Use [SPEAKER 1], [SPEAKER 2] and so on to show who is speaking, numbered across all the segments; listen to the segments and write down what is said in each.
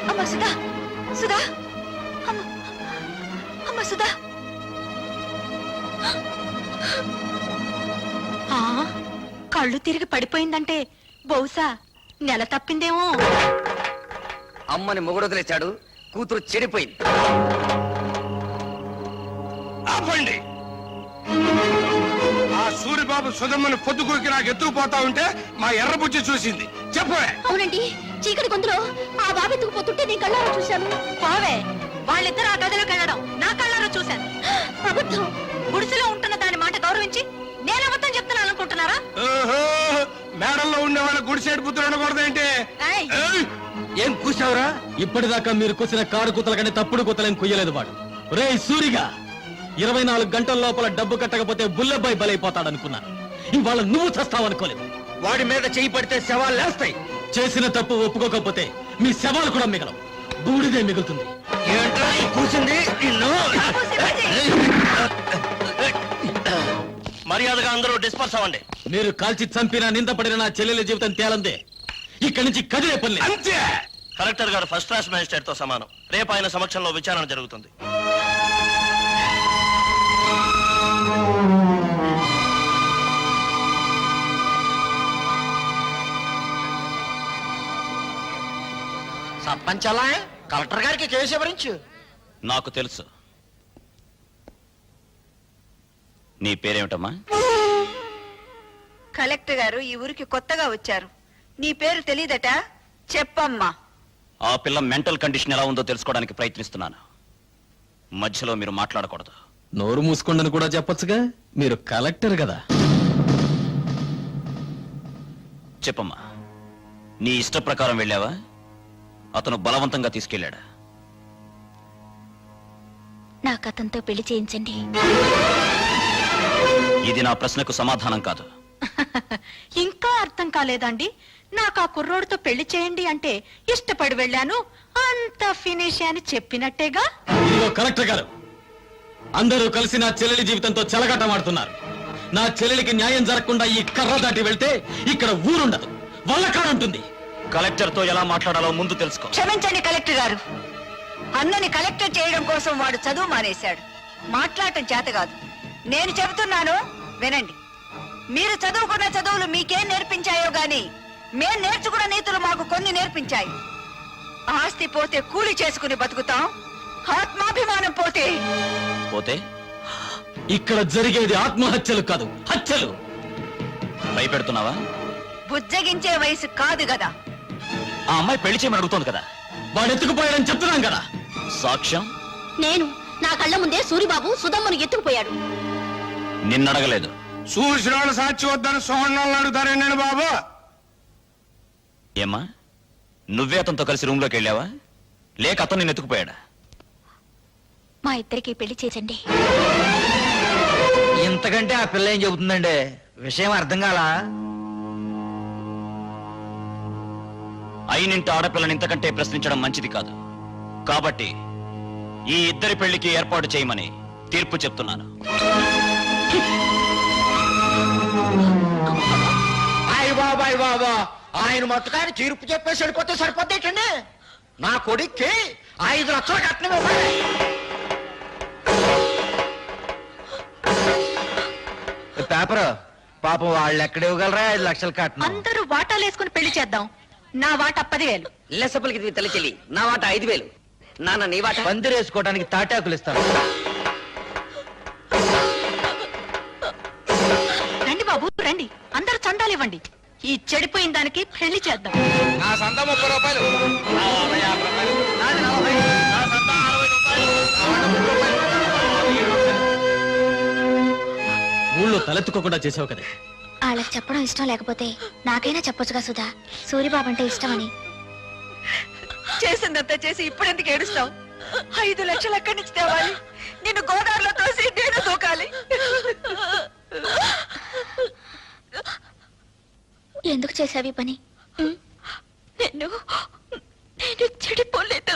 [SPEAKER 1] అమ్మ సుధా, సుధా, అమ్మ సుధా. కళ్ళు తిరిగి పడిపోయిందంటే బహుశా నెల తప్పిందేమో.
[SPEAKER 2] అమ్మని మొగుడు వదిలేశాడు, కూతురు చెడిపోయింది.
[SPEAKER 3] ఆపండి. ఆ సూరిబాబు సుధమ్మని పొద్దుకూరికి నాకు ఎత్తుకుపోతా ఉంటే మా ఎర్రబుజ్జి చూసింది. చెప్పే.
[SPEAKER 1] అవునండి, చీకటి గొంతులో ఆ బాబు ఎత్తుకుపోతుంటే నీ కళ్ళారా చూశాను. బావే, వాళ్ళిద్దరు ఆ గదిలోకి వెళ్ళడం నా కళ్ళారా చూశాను. అబద్ధం. గుడిసెలో ఉంటున్న దాని మాట గౌరవించి నేను అబద్ధం చెప్తున్నాను అనుకుంటున్నారా?
[SPEAKER 3] మేడల్లో ఉండే వాళ్ళ గుడిసేడు పుత్రులు ఉండకూడదేంటి?
[SPEAKER 2] ఏం కూసావురా?
[SPEAKER 4] ఇప్పటిదాకా మీరు కూసిన కారు కూతల కంటే తప్పుడు కూతలేం కుయ్యలేదు వాడు. రే సూరిగా, 24 గంటల లోపల డబ్బు కట్టకపోతే బుల్లెబ్బాయి బలైపోతాడనుకున్నాను. ఇవాళ నువ్వు చస్తావనుకోలేదు.
[SPEAKER 2] వాడి మీద చేయి పడితే శవాలు లేస్తాయి.
[SPEAKER 4] చేసిన తప్పు ఒప్పుకోకపోతే మీ శవాలు కూడా మిగలవు, బూడిదే మిగులుతుంది.
[SPEAKER 2] ఏంట్రా కూసింది?
[SPEAKER 5] మర్యాదగా అందరూ డిస్పర్స్ అవ్వండి.
[SPEAKER 4] మీరు కాల్చి చంపిన నిందపడిన నా చెల్లెల జీవితం తేలందే. ఇక్కడి నుంచి కదిలే పని.
[SPEAKER 3] అంతే.
[SPEAKER 5] కలెక్టర్ గారు ఫస్ట్ క్లాస్ మేజిస్ట్రేట్ తో సమానం. రేపు ఆయన సమక్షంలో విచారణ జరుగుతుంది.
[SPEAKER 2] సర్పంచ్ అలా కలెక్టర్ గారికి కేసు ఎవరించు.
[SPEAKER 5] నాకు తెలుసు. నీ పేరేమిటమ్మా?
[SPEAKER 1] కలెక్టర్ గారు ఈ ఊరికి కొత్తగా వచ్చారు. నీ పేరు తెలీదట? చెప్పమ్మా.
[SPEAKER 5] ఆ పిల్ల మెంటల్ కండిషన్ ఎలా ఉందో తెలుసుకోవడానికి ప్రయత్నిస్తున్నాను. మధ్యలో మీరు మాట్లాడకూడదు.
[SPEAKER 4] నోరు మూసుకోండని కూడా చెప్పొచ్చుగా, మీరు కలెక్టర్ కదా.
[SPEAKER 5] చెప్పమ్మా, నీ ఇష్ట ప్రకారం వెళ్ళావా? అతను బలవంతంగా తీసుకెళ్ళాడా?
[SPEAKER 1] నాకు అతనితో పెళ్లి చేయించండి.
[SPEAKER 5] ఇది నా ప్రశ్నకు సమాధానం కాదు.
[SPEAKER 1] ఇంకా అర్థం కాలేదండి? నాకు ఆ కుర్రోడితో పెళ్లి చేయండి అంటే ఇష్టపడి వెళ్ళాను, అంత ఫినిష్ అని చెప్పినట్టేగా.
[SPEAKER 4] ఇదిగో కలెక్టర్ గారు, అందరూ కలిసి నా చెల్లెలి జీవితంతో చెలగాటమాడుతున్నారు. నా చెల్లెలికి న్యాయం జరగకుండా ఈ కర్ర దాటి వెళ్తే ఇక్కడ ఊరుండదు, వల్లకాడుంటుంది.
[SPEAKER 5] కలెక్టర్ తో ఎలా మాట్లాడాలో ముందు తెలుసుకో.
[SPEAKER 1] క్షమించండి కలెక్టర్ గారు, అన్నని కలెక్టర్ చేయడం కోసం వాడు చదువు మానేశాడు. మాట్లాడటం చేత కాదు. నేను చెబుతున్నాను వినండి. మీరు చదువుకున్న చదువులు మీకేం నేర్పించాయో గాని మేం నేర్చుకున్న నీతులు మాకు కొన్ని నేర్పించాయి. ఆస్తి పోతే కూలి చేసుకుని బతుకుతాం, ఆత్మాభిమానం పోతే
[SPEAKER 5] పోతే
[SPEAKER 4] ఇక్కడ జరిగేది ఆత్మహత్యలు కాదు, హత్యలు.
[SPEAKER 5] భయపెడుతున్నావా?
[SPEAKER 1] బుజ్జగించే వయసు కాదు కదా.
[SPEAKER 5] ఆ అమ్మాయి పెళ్లి చేయమని అడుగుతోంది కదా.
[SPEAKER 4] వాడు ఎత్తుకుపోయాడని చెప్తున్నాం కదా.
[SPEAKER 5] సాక్ష్యం?
[SPEAKER 1] నేను నా కళ్ళ ముందే సూరిబాబు సుధమ్మను ఎత్తుకుపోయాడు.
[SPEAKER 5] నిన్నడగలేదు.
[SPEAKER 3] చూసిన వాళ్ళు సాక్షి వద్దని సోహన్ అడుగుతారేండి బాబు?
[SPEAKER 5] ఏమ్మా, నువ్వే అతనితో కలిసి రూమ్ లోకి వెళ్ళావా, లేక అతను నిన్ను ఎత్తుకుపోయాడా?
[SPEAKER 1] మా ఇద్దరికి పెళ్లి చేసండి.
[SPEAKER 2] ఇంతకంటే ఆ పిల్ల ఏం చెబుతుందండి? విషయం అర్థం కాలా?
[SPEAKER 5] అయినింటి ఆడపిల్లని ఇంతకంటే ప్రశ్నించడం మంచిది కాదు. కాబట్టి ఈ ఇద్దరి పెళ్లికి ఏర్పాటు చేయమని తీర్పు చెప్తున్నాను.
[SPEAKER 2] బాబాయ్ బాబా, ఆయన మొత్తకాన్ని తీర్పు చెప్పేసి వెళ్ళిపోతే సరిపోతేటండి. నా కొడుక్కి 5 లక్షలు కట్నం ఇవ్వాలి. పేపర్ పాపం వాళ్ళు ఎక్కడ ఇవ్వగలరా 5 లక్షలు కట్నం?
[SPEAKER 1] అందరూ వాటాలు వేసుకుని పెళ్లి చేద్దాం. నా వాటా 10,000.
[SPEAKER 2] లెసపలికి తల్లి చెల్లి, నా వాట 5,000. నాన్న నీ వాట? పందిరేసుకోవడానికి తాటాకులు ఇస్తాను.
[SPEAKER 1] రండి బాబు రండి, అందరూ చందాలు ఇవ్వండి. ఈ చెడిపోయిన దానికి పెళ్లి చేద్దాం.
[SPEAKER 3] నా సంత 30 రూపాయలు.
[SPEAKER 4] ఊళ్ళో తలెత్తుకోకుండా చేసావు కదా.
[SPEAKER 6] వాళ్ళకి చెప్పడం ఇష్టం లేకపోతే నాకైనా చెప్పొచ్చుగా సుధా, సూరిబాబు అంటే ఇష్టమని.
[SPEAKER 1] చేసిందంతా చేసి ఇప్పుడెందుకు ఏడుస్తావు? 5 లక్షలు ఎక్కడి నుంచి తేవాలి? నిన్ను గోదావరిలో తోసి నేను దూకాలి.
[SPEAKER 6] ఎందుకు చేసావి పని?
[SPEAKER 1] నేను చెడిపోలేదు.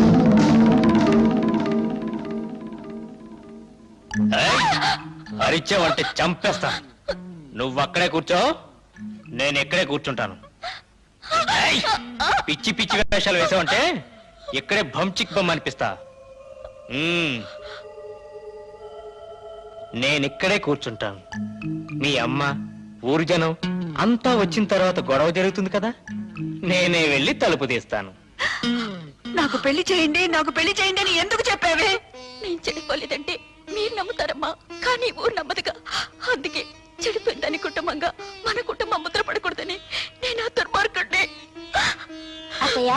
[SPEAKER 5] అరిచావంటే చంపేస్తా. నువ్వక్కడే కూర్చో, నేను ఎక్కడే కూర్చుంటాను. పిచ్చి పిచ్చి వేషాలు వేసావంటే
[SPEAKER 7] ఇక్కడే భంచిక్ బొమ్మ అనిపిస్తా. నేనిక్కడే కూర్చుంటాను. మీ అమ్మ, ఊరు జనం అంతా వచ్చిన తర్వాత గొడవ జరుగుతుంది కదా, నేనే వెళ్ళి తలుపు తీస్తాను.
[SPEAKER 1] నాకు పెళ్లి చేయండి, నాకు పెళ్లి చేయండి అని ఎందుకు చెప్పావే?
[SPEAKER 8] నేను చెడిపోలేదంటే మీరు నమ్ముతారమ్మా, కానీ ఊరు నమ్మదుగా. అందుకే చెడిపోయిందని కుటుంబంగా మన కుటుంబం ముద్ర పడకూడదని నేను ఆ దుర్మార్గుడిని.
[SPEAKER 6] అత్తయ్య,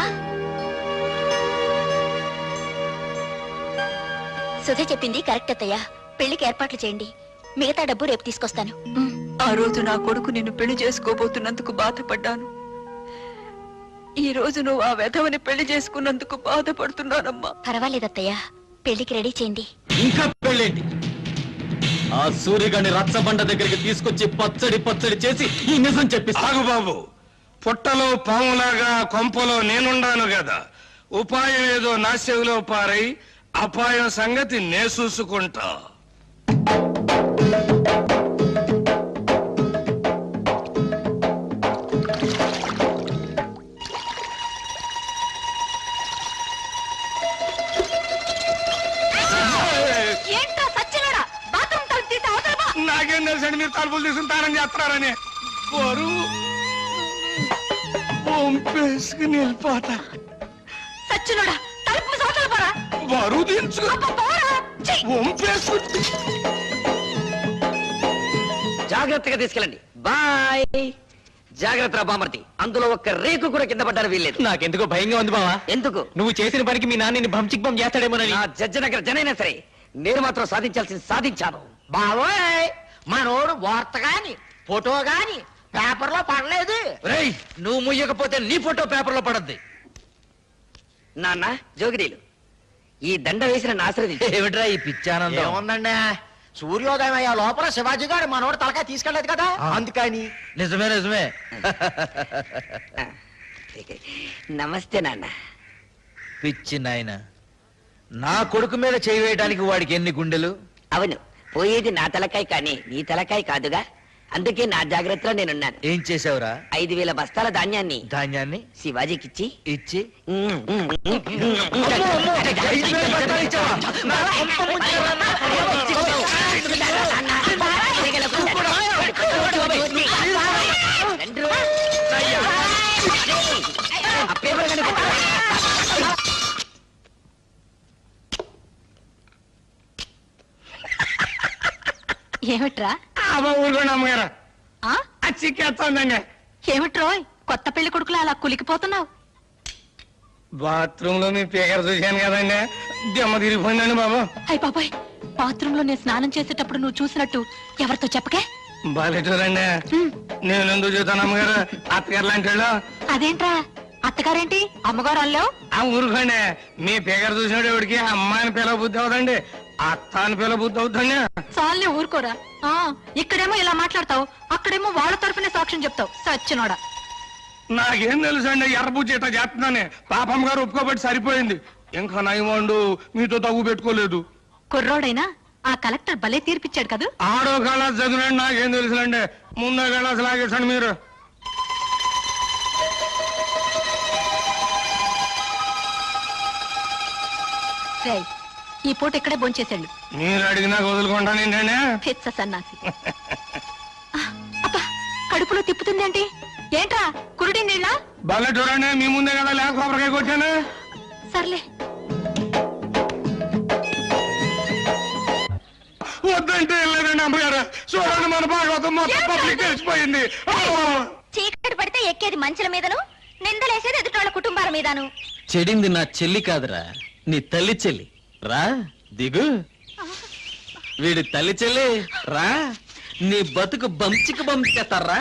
[SPEAKER 6] సుధ చెప్పింది కరెక్ట్ అత్తయ్య. పెళ్లికి ఏర్పాట్లు చేయండి, మిగతా డబ్బు రేపు తీసుకొస్తాను.
[SPEAKER 1] ఆ రోజు నా కొడుకు నిన్ను పెళ్లి చేసుకోబోతున్నందుకు బాధపడ్డాను. ఈ రోజు నువ్వు ఆ వెధవని పెళ్లి చేసుకున్నందుకు బాధపడుతున్నానమ్మా.
[SPEAKER 6] పర్వాలేదు అత్తయ్య, పెళ్లికి రెడీ చేయండి.
[SPEAKER 4] ఇంకా పెళ్ళేంటి? ఆ సూర్యగాడిని రచ్చబండ దగ్గరికి తీసుకొచ్చి పచ్చడి పచ్చడి చేసి ఈ నిజం చెప్పిస్తా.
[SPEAKER 3] ఆగు బాబు, పుట్టలో పాములాగా కొంపలో నేనుండాను కదా. ఉపాయం ఏదో నా చెవిలో పారై అపాయం సంగతి నే చూసుకుంటా.
[SPEAKER 1] ఏంటో సచ్చినోడా, బాత్రూమ్ తలుపు తీసి అవతల పో.
[SPEAKER 3] నాకేం తెలుసండి మీరు తలుపులు తీసుకుంటారని చేస్తున్నారని. బరువు పంపేసుకుని వెళ్ళిపోతా.
[SPEAKER 1] సచ్చినోడా, తలుపు మూసి అవతల పోరా.
[SPEAKER 3] బరువు దించుకు
[SPEAKER 1] అబ్బా, పోరా. ఛీ!
[SPEAKER 3] పంపేసుకు.
[SPEAKER 2] జాగ్రత్తగా తీసుకెళ్ళండి. బాయ్. జాగ్రత్త బామర్తి, అందులో ఒక్క రేకు కూడా కింద పడ్డారు వీల్లేదు.
[SPEAKER 7] నాకెందుకో భయంగా ఉంది బావా.
[SPEAKER 2] ఎందుకు?
[SPEAKER 7] నువ్వు చేసిన పనికి మీ నాన్నని భంచిక్ బొమ్మ చేస్తాడేమోనని.
[SPEAKER 2] నా జడ్జనగర జనైనా సరే నేను మాత్రం సాధించాల్సింది సాధించాను. బావోయ్, మనోడు వార్త గాని ఫోటో గాని పేపర్లో పడలేదు.
[SPEAKER 9] రేయ్, నువ్వు ముయ్యకపోతే నీ ఫోటో పేపర్లో పడద్ది.
[SPEAKER 2] నాన్న జోగిరీలు, ఈ దండ వేసిన ఆశ్రది
[SPEAKER 9] ఏమిట్రా ఈ పిచ్చానందం?
[SPEAKER 2] ఏముందండి, సూర్యోదయం అయ్యే లోపల శివాజీ గారు మనోడు తలకాయ తీసుకెళ్లేదు కదా, అందుకని.
[SPEAKER 9] నిజమే నిజమే.
[SPEAKER 2] నమస్తే నాన్న.
[SPEAKER 9] పిచ్చి నాయన, నా కొడుకు మీద చేయి వేయడానికి వాడికి ఎన్ని గుండెలు?
[SPEAKER 2] అవును, పోయేది నా తలకాయ కానీ నీ తలకాయ కాదుగా, అందుకే నా జాగ్రత్తలో నేనున్నాను.
[SPEAKER 9] ఏం చేసావురా?
[SPEAKER 2] 5,000 బస్తాల ధాన్యాన్ని
[SPEAKER 9] ధాన్యాన్ని
[SPEAKER 2] శివాజీకిచ్చి
[SPEAKER 9] ఇచ్చి
[SPEAKER 2] 5,000 బస్తాలు ఇచ్చావా? నా కొంప ముంచావా?
[SPEAKER 1] ఏమిట్రా?
[SPEAKER 3] ఊరుకోండి అమ్మగారు,
[SPEAKER 1] ఆ?
[SPEAKER 3] చిక్కేస్తోందండి.
[SPEAKER 1] ఏమిట్రోయ్, కొత్త పెళ్లి కొడుకులా అలా కులికిపోతున్నావు?
[SPEAKER 3] బాత్రూమ్ లో మీ పేకర చూశాను కదండి, దెమ్మ తిరిగిపోయిందండి బాబు.
[SPEAKER 1] అయ్య బాబాయ్, బాత్రూమ్ లో నేను స్నానం చేసేటప్పుడు నువ్వు చూసినట్టు ఎవరితో చెప్పకే.
[SPEAKER 3] బాలేటూరండి, నేను ఎందుకు చూస్తాను అమ్మగారు, అత్తగారు లాంటి వాళ్ళు.
[SPEAKER 1] అదేంట్రా, అత్తగారేంటి అమ్మగారు అల్లావు?
[SPEAKER 3] ఆ ఊరుకోండి, మీ పేకర చూసినాడు ఎవడికి అమ్మాయిని పిల్ల బుద్ధి అవుతండి, అత్త అని పిల్ల బుద్ధి అవుతుంది.
[SPEAKER 1] చాలే ఊరుకోరా. ఆ, ఇక్కడేమో ఇలా మాట్లాడతావు, అక్కడేమో వాళ్ళ తరపునే సాక్ష్యం చెప్తావు. సచ్చినోడా.
[SPEAKER 3] నాకేం తెలుసు అండి, ఎర్రబుజ్జి ఇట్లా చేస్తున్నానే. పాపం గారు ఒప్పుకోబట్టి సరిపోయింది, ఇంకా నయమండు మీతో తగ్గు పెట్టుకోలేదు.
[SPEAKER 1] కుర్రోడైనా ఆ కలెక్టర్ భలే తీర్పిచ్చాడు కదా.
[SPEAKER 3] ఆడో కళాస్ చదివినండి, నాకేం తెలుసులండి, ముందో కళాస్ లాగేసండి మీరు.
[SPEAKER 1] రేయ్, ఈ పూట ఇక్కడే భోంచేసాడు.
[SPEAKER 3] మీరు అడిగినా వదులుకుంటాను ఏంటండి.
[SPEAKER 1] పిచ్చ సన్నాసి. అబ్బా, కడుపులో తిప్పుతుందేంటి? ఏంట్రా, కురుడి నీళ్ళ?
[SPEAKER 3] భలే చూడండి, మీ ముందే కదా లేక కొబ్బరికాయ కొట్టాను.
[SPEAKER 1] సర్లే.
[SPEAKER 3] వద్దంటే వెళ్ళలేదండి అమ్మగారు, చూడండి మన భాగవతం మొత్తం పబ్లిక్ తెలిసిపోయింది.
[SPEAKER 6] చీకటి పడితే ఎక్కేది మంచుల మీదను, నిందలేసేది ఎదుటోళ్ళ కుటుంబాల మీదను.
[SPEAKER 4] చెడింది నా చెల్లి కాదురా, నీ తల్లి చెల్లి. రా దిగు. వీడి తల్లి చెల్లి రా, నీ బతుకు బంచికి బంచేస్తారా.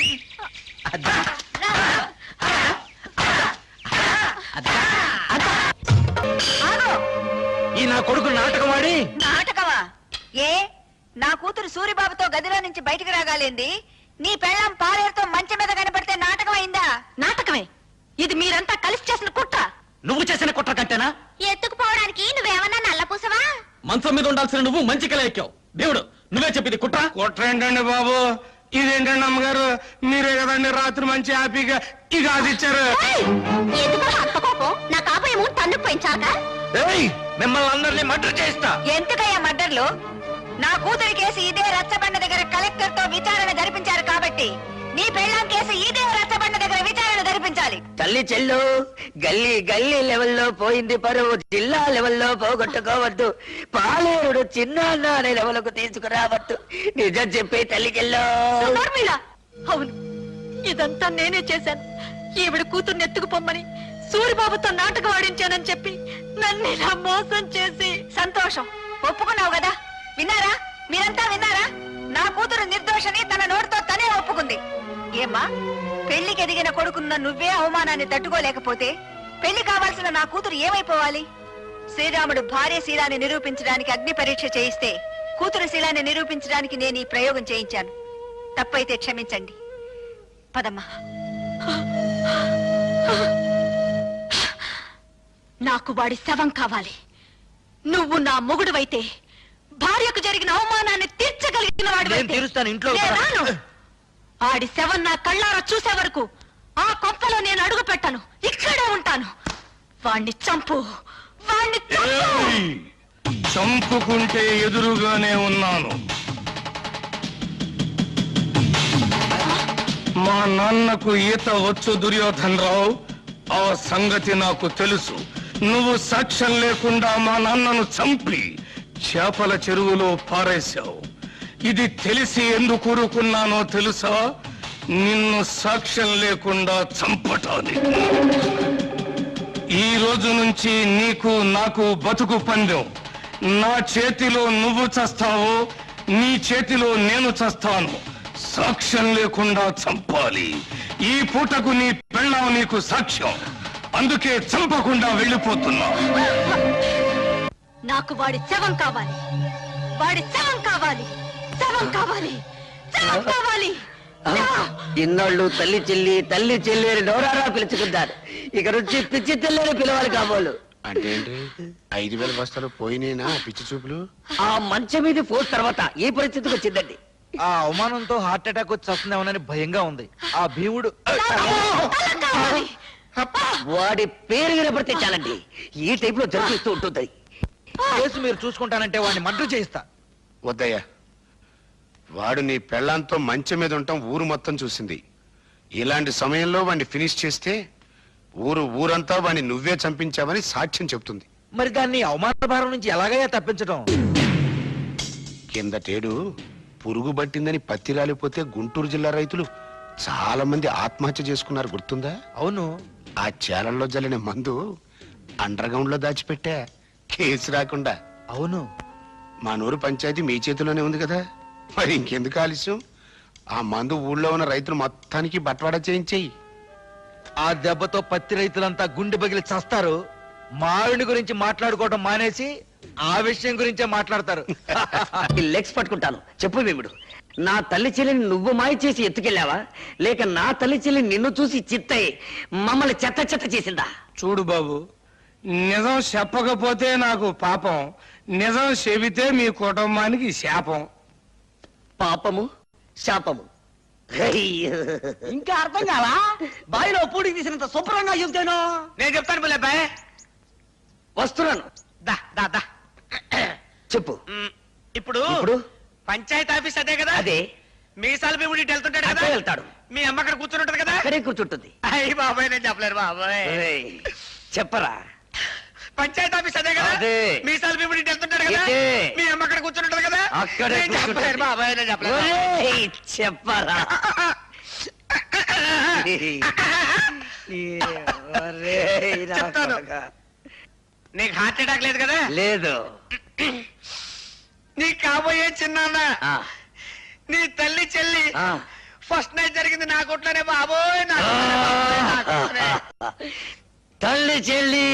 [SPEAKER 9] ఈ నా కొడుకు నాటకం ఆడి
[SPEAKER 1] నాటకమా? ఏ, నా కూతురు సూరిబాబుతో గదిలో నుంచి బయటికి రాగాలేంది, నీ పెళ్ళం పాలేరుతో మంచం మీద కనపడితే నాటకం అయిందా? నాటకమే. ఇది మీరంతా కలిసి చేసిన కుట్ర.
[SPEAKER 7] నువ్వు చేసిన కుట్ర కంటేనా?
[SPEAKER 6] ఎత్తుకుపోవడానికి నువ్వేమన్నా నల్లపూసవా?
[SPEAKER 4] మంచం మీద ఉండాల్సిన నువ్వు మంచి కల ఎక్కావు. దేవుడు, నువ్వే చెప్పింది కుట్ర.
[SPEAKER 3] కుట్ర ఏంటండి బాబు, ఇదేంటండి అమ్మగారు, మీరే కదండి రాత్రి మంచి హ్యాపీగా ఈ గాజు ఇచ్చారు.
[SPEAKER 6] ఎందుకు అంత కోపం? నా కాబోయేమో తన్నుకు పోయించా. కాక
[SPEAKER 9] ఏయ్, మిమ్మల్ని అందరినీ మర్డర్ చేస్తా.
[SPEAKER 1] ఎందుకయ్యా మర్డర్లు? నా కూతురి కేసు ఇదే రచ్చబండ దగ్గర కలెక్టర్ తో విచారణ జరిపించారు కాబట్టి నీ పెళ్ళాం కేసు ఇదే రచ్చబండ దగ్గర విచారణ జరిపించాలి.
[SPEAKER 10] తల్లి చెల్లు గల్లీ గల్లీ లెవెల్లో పోయింది పరువు, జిల్లా లెవెల్లో పోగొట్టుకోవద్దు, పాలేరుడు చిన్న అనే లెవెల్కు తీసుకురావద్దు. నిజం చెప్పి తల్లి చెల్లు.
[SPEAKER 8] నోర్మిళ, అవును ఇదంతా నేనే చేశాను. ఈవిడ కూతుర్ని ఎత్తుకుపోమ్మని సూరిబాబుతో నాటకం ఆడించానని చెప్పి నన్ను ఇలా మోసం చేసి.
[SPEAKER 1] సంతోషం, ఒప్పుకున్నావు కదా. విన్నారా? మీరంతా విన్నారా? నా కూతురు నిర్దోషని తన నోటితో తనే ఒప్పుకుంది. ఏమ్మా, పెళ్లికి ఎదిగిన కొడుకున్న నువ్వే అవమానాన్ని తట్టుకోలేకపోతే పెళ్లి కావాల్సిన నా కూతురు ఏమైపోవాలి? శ్రీరాముడు భార్య శీలాన్ని నిరూపించడానికి అగ్ని పరీక్ష చేయిస్తే కూతురు శీలాన్ని నిరూపించడానికి నేను ఈ ప్రయోగం చేయించాను. తప్పైతే క్షమించండి. పదమ్మా.
[SPEAKER 8] నాకు వాడి శవం కావాలి. నువ్వు నా మొగుడువైతే భార్యకు జరిగిన అవమానాన్ని తీర్చగలిగిన
[SPEAKER 9] నేను తీరుస్తాను, ఇంట్లో
[SPEAKER 8] వాడు. ఆడి శవం నా కళ్ళారా చూసే వరకు ఆ కొంపలో నేను అడుగు పెట్టను, ఇక్కడే ఉంటాను. వాణ్ణి చంపు, వాణ్ణి చంపు.
[SPEAKER 3] ఏయ్! చంపుకుంటే ఎదురుగానే ఉన్నాను. మా నాన్నకు ఈత వచ్చు దుర్యోధన్ రావు, ఆ సంగతి నాకు తెలుసు. నువ్వు సాక్ష్యం లేకుండా మా నాన్నను చంపి చేపల చెరువులో పారేశావు. ఇది తెలిసి ఎందుకు ఊరుకున్నానో తెలుసా? నిన్ను సాక్ష్యం లేకుండా చంపటానికి. ఈ రోజు నుంచి నీకు నాకు బతుకు పందెం. నా చేతిలో నువ్వు చస్తావో, నీ చేతిలో నేను చస్తాను. సాక్ష్యం లేకుండా చంపాలి. ఈ పూటకు నీ పెళ్ళాం నీకు సాక్ష్యం. అందుకే చంపకుండా వెళ్ళిపోతున్నా.
[SPEAKER 8] నాకు వాడి శవం కావాలి, వాడి శవం కావాలి, శవం కావాలి, శవం కావాలి.
[SPEAKER 10] ఇన్నాళ్ళు తల్లి చెల్లి అని నోరారా పిలుచుకుంటారు. ఇక నుంచి పిచ్చి తెల్లని పిలవాలి కాబోలు.
[SPEAKER 2] అంటే 5,000 బస్తాలు పోయినేనా పిచ్చి చూపులు?
[SPEAKER 10] ఆ మంచం మీద పోస్ట్ తర్వాత ఈ పరిస్థితికి వచ్చిందండి.
[SPEAKER 9] ఆ అవమానంతో హార్ట్ అటాక్ వచ్చి వస్తుందేమోనని భయంగా ఉంది. ఆ భీముడు
[SPEAKER 10] వాడి పేరు వినపడితే చాలండి, ఈ టైప్ లో జరిపిస్తూ ఉంటుంది.
[SPEAKER 9] కేసు మీరు చూసుకుంటానంటే వాడిని మర్డర్ చేయిస్తా.
[SPEAKER 2] వద్దయ్యా, వాడు నీ పెళ్ళాంతో మంచం మీద ఉంటాం ఊరు మొత్తం చూసింది. ఇలాంటి సమయంలో వాడిని ఫినిష్ చేస్తే ఊరంతా వాడిని నువ్వే చంపించావని సాక్ష్యం చెప్తుంది.
[SPEAKER 9] మరి దాన్ని అవమాన భారం నుంచి ఎలాగయ్యా తప్పించడం?
[SPEAKER 2] కిందటేడు పురుగు పట్టిందని పత్తి రాలిపోతే గుంటూరు జిల్లా రైతులు చాలా మంది ఆత్మహత్య చేసుకున్నారు, గుర్తుందా?
[SPEAKER 9] అవును.
[SPEAKER 2] ఆ చేలల్లో జల్లిన మందు అండర్ గ్రౌండ్ లో దాచిపెట్టా, కేసు రాకుండా.
[SPEAKER 9] అవును.
[SPEAKER 2] మా నూరు పంచాయతీ మీ చేతిలోనే ఉంది కదా, మరి ఇంకెందుకు ఆలస్యం? ఆ మందు ఊళ్ళో ఉన్న రైతులు మొత్తానికి బట్వాడా చేయించేయి.
[SPEAKER 9] ఆ దెబ్బతో పత్తి రైతులంతా గుండె పగిలి చస్తారు. మావిడి గురించి మాట్లాడుకోవడం మానేసి ఆ విషయం గురించే మాట్లాడతారు.
[SPEAKER 10] లెగ్స్ పట్టుకుంటాను. చెప్పు భీముడు, నా తల్లి చెల్లిని నువ్వు మాయ చేసి ఎత్తుకెళ్ళావా, లేక నా తల్లి చెల్లి నిన్ను చూసి చిత్తయి మమ్మల్ని చెత్త చెత్త చేసిందా?
[SPEAKER 3] చూడు బాబు, నిజం చెప్పకపోతే నాకు పాపం, నిజం చెబితే మీ కుటుంబానికి శాపం.
[SPEAKER 10] పాపము శాపము.
[SPEAKER 1] ఇంకా అర్థం కావా? బావిలో పూడికి తీసినంత శుభ్రంగా చెబుతాను.
[SPEAKER 9] నేను చెప్తాను పిల్లబాయ్.
[SPEAKER 10] వస్తున్నాను.
[SPEAKER 9] దా దా దా.
[SPEAKER 10] చెప్పు.
[SPEAKER 7] ఇప్పుడు
[SPEAKER 10] ఇప్పుడు
[SPEAKER 7] పంచాయతీ ఆఫీస్ అదే కదా?
[SPEAKER 10] అదే.
[SPEAKER 7] మీసాల భీముడి వెళ్తుంటాడు కదా?
[SPEAKER 10] అక్కడే వెళ్తాడు.
[SPEAKER 7] మీ అమ్మ అక్కడ కూర్చుని ఉంటది కదా?
[SPEAKER 10] అక్కడే కూర్చుంటుంది.
[SPEAKER 7] అయ్యి బాబాయ్, నేను చెప్పలేరు బాబాయ్.
[SPEAKER 10] ఏయ్, చెప్పరా.
[SPEAKER 7] పంచాయతీ ఆఫీస్ అదే కదా?
[SPEAKER 10] అదే.
[SPEAKER 7] మీసాల భీముడి వెళ్తుంటాడు కదా?
[SPEAKER 10] ఇదే.
[SPEAKER 7] మీ అమ్మ అక్కడ కూర్చుని ఉంటది కదా?
[SPEAKER 10] అక్కడే
[SPEAKER 7] నేను చెప్పలేరు
[SPEAKER 10] కూర్చుంటుంది.
[SPEAKER 7] బాబాయ్, నేను చెప్పలేరు.
[SPEAKER 10] ఒరేయ్, చెప్పరా. ఒరేయ్, నా
[SPEAKER 7] చెప్తాను.
[SPEAKER 10] కొడకా.
[SPEAKER 7] నీకు హార్ట్ అటాక్ లేదు కదా?
[SPEAKER 10] లేదు.
[SPEAKER 7] నీ కాబోయే చిన్నాన్న,
[SPEAKER 10] ఆ,
[SPEAKER 7] నీ తల్లి చెల్లి
[SPEAKER 10] ఆ.
[SPEAKER 7] ఫస్ట్ నైట్ జరిగింది నా కొట్లోనే బాబోయ్, నా కొట్లోనే బాబోయ్, నా కొట్లోనే.
[SPEAKER 10] తల్లి చెల్లి.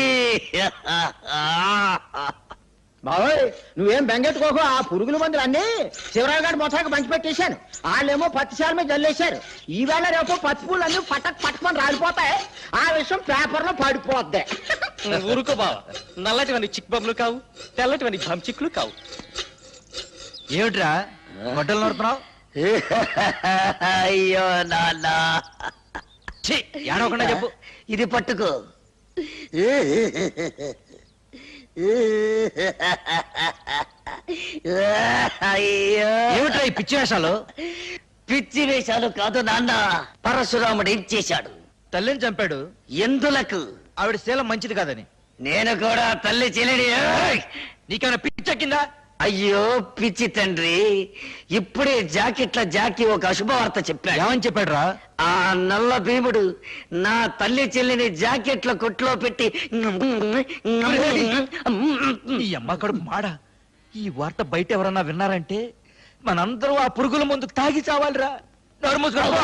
[SPEAKER 11] బాబోయ్, నువ్వేం బెంగెట్టుకోకు. ఆ పురుగుల మందులు అన్ని శివరావు గారి మొత్తానికి పంచి పెట్టేశాను. వాళ్ళేమో పత్తి శాల మీద జల్లేశారు. ఈవేళ రేపు పత్తి పూలు అన్ని పట్టమని రాలిపోతాయి. ఆ విషయం పేపర్ లో పడిపోద్ది.
[SPEAKER 4] ఊరుకో బావ, నల్లటివన్నీ చిక్ బొమ్మలు కావు, తెల్లటివన్నీ చిక్కులు కావు.
[SPEAKER 9] ఏమిట్రా గొడ్డలు నడుతున్నావు?
[SPEAKER 10] అయ్యో నాన్న,
[SPEAKER 9] ఏడవకుండా చెప్పు.
[SPEAKER 10] ఇది పట్టుకో. అయ్యో
[SPEAKER 9] ఏమిట్రా ఈ పిచ్చి వేషాలు?
[SPEAKER 10] పిచ్చి వేషాలు కాదు నాన్న, పరశురాముడు ఏం చేశాడు?
[SPEAKER 9] తల్లిని చంపాడు.
[SPEAKER 10] ఎందులకు?
[SPEAKER 9] ఆవిడ శీలం మంచిది కాదని.
[SPEAKER 10] నేను కూడా తల్లి చెల్లిని.
[SPEAKER 9] నీకేమైనా పిచ్చెక్కిందా?
[SPEAKER 10] అయ్యో పిచ్చి తండ్రి, ఇప్పుడే జాకెట్ల జాకి ఒక అశుభవార్త చెప్పాడు.
[SPEAKER 9] ఏమని చెప్పాడు రా?
[SPEAKER 10] ఆ నల్ల భీముడు నా తల్లి చెల్లిని జాకెట్ల కొట్లో పెట్టి
[SPEAKER 9] ఈ అమ్మ కడుపు మాడ. ఈ వార్త బయట ఎవరన్నా విన్నారంటే మనందరూ ఆ పురుగుల ముందు తాగి చావాలిరా. నోరు మూసుకో.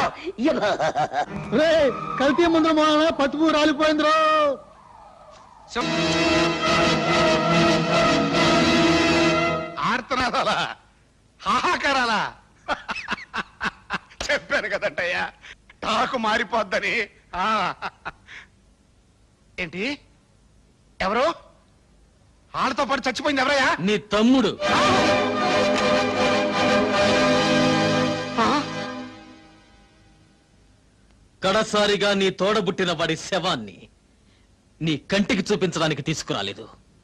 [SPEAKER 11] కల్తీ ముందు పట్టుపు రాలిపోయిందిరో.
[SPEAKER 2] ఆర్తనాదాలా, హాహాకారాలా? చెప్పాను కదంటయ్యా, టాకు మారిపోద్దని. ఆ. ఏంటి? ఎవరు? వాళ్ళతో పాటు చచ్చిపోయింది ఎవరయ్యా?
[SPEAKER 4] నీ తమ్ముడు. కడసారిగా నీ తోడబుట్టిన వాడి శవాన్ని నీ కంటికి చూపించడానికి తీసుకురాలేదు.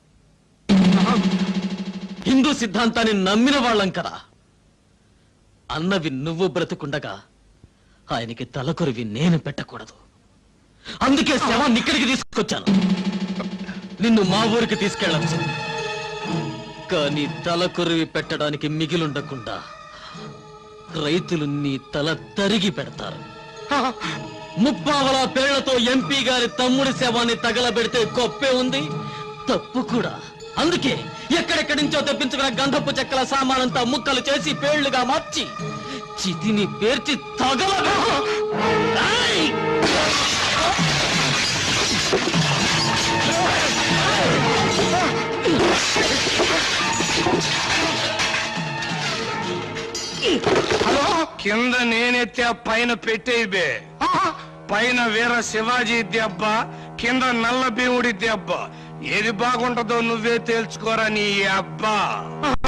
[SPEAKER 4] హిందూ సిద్ధాంతాన్ని నమ్మిన వాళ్ళం కదా. అన్నవి నువ్వు బ్రతుకుండగా ఆయనకి తలకొరివి నేను పెట్టకూడదు. అందుకే శవాన్ని ఇక్కడికి తీసుకొచ్చాను. నిన్ను మా ఊరికి తీసుకెళ్ళచ్చు, కానీ తలకొరివి పెట్టడానికి మిగిలుండకుండా రైతులు నీ తల తరిగి పెడతారు. ముప్పావల పేళ్లతో ఎంపీ గారి తమ్ముడి శవాన్ని తగలబెడితే గొప్పే ఉంది, తప్పు కూడా. అందుకే ఎక్కడెక్కడి నుంచో తెప్పించుకున్న గంధపు చెక్కల సామానంతా ముక్కలు చేసి పేళ్లుగా మార్చి చితిని పేర్చి తగలబె.
[SPEAKER 3] హలో, కింద నేనెత్తే పైన పెట్టేబే. పైన వీర శివాజీ దెబ్బ, కింద నల్ల భీముడి దెబ్బ. ఏది బాగుంటుందో నువ్వే తేల్చుకోరా నీ అబ్బా.